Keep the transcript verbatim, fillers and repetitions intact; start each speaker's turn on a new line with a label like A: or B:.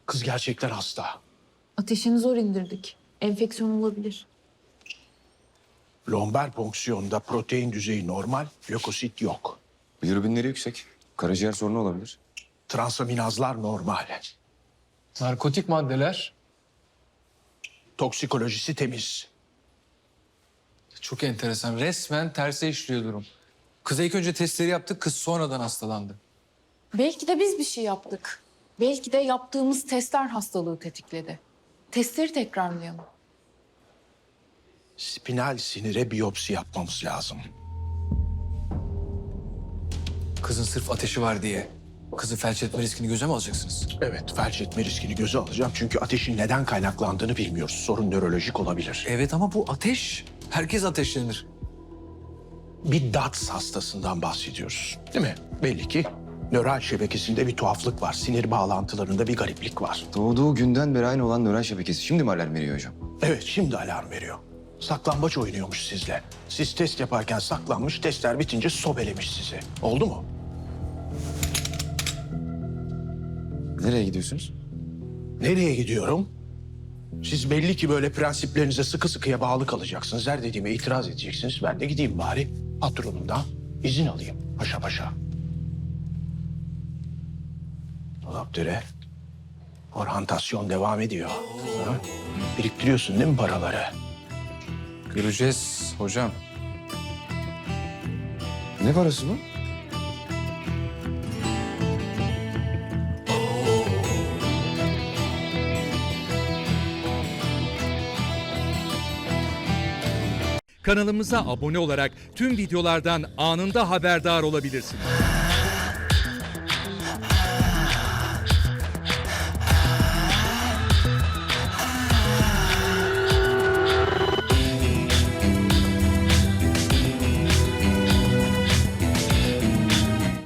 A: Kız gerçekten hasta.
B: Ateşini zor indirdik. Enfeksiyon olabilir.
A: Lomber fonksiyonunda protein düzeyi normal, lökosit yok.
C: Bilirubinleri yüksek. Karaciğer sorunu olabilir.
A: Transaminazlar normal.
D: Narkotik maddeler.
A: Toksikolojisi temiz.
D: Çok enteresan. Resmen terse işliyor durum. Kıza ilk önce testleri yaptık, kız sonradan hastalandı.
B: Belki de biz bir şey yaptık. Belki de yaptığımız testler hastalığı tetikledi. Testleri tekrarlayalım.
A: Spinal sinire biyopsi yapmamız lazım.
D: Kızın sırf ateşi var diye kızı felç etme riskini göze mi alacaksınız?
A: Evet, felç etme riskini göze alacağım. Çünkü ateşin neden kaynaklandığını bilmiyoruz. Sorun nörolojik olabilir.
D: Evet ama bu ateş. Herkes ateşlenir.
A: Bir D A T S hastasından bahsediyoruz. Değil mi? Belli ki nöral şebekesinde bir tuhaflık var. Sinir bağlantılarında bir gariplik var.
C: Doğduğu günden beri aynı olan nöral şebekesi. Şimdi mi alarm veriyor hocam?
A: Evet, şimdi alarm veriyor. Saklambaç oynuyormuş sizle. Siz test yaparken saklanmış, testler bitince sobelemiş sizi. Oldu mu?
C: Nereye gidiyorsunuz?
A: Nereye gidiyorum? Siz belli ki böyle prensiplerinize sıkı sıkıya bağlı kalacaksınız. Her dediğime itiraz edeceksiniz. Ben de gideyim bari patronumdan izin alayım paşa paşa. Dolapdere. Orhantasyon devam ediyor. Ha? Biriktiriyorsun değil mi paraları?
D: Göreceğiz hocam.
C: Ne parası bu?
E: Kanalımıza abone olarak tüm videolardan anında haberdar olabilirsiniz.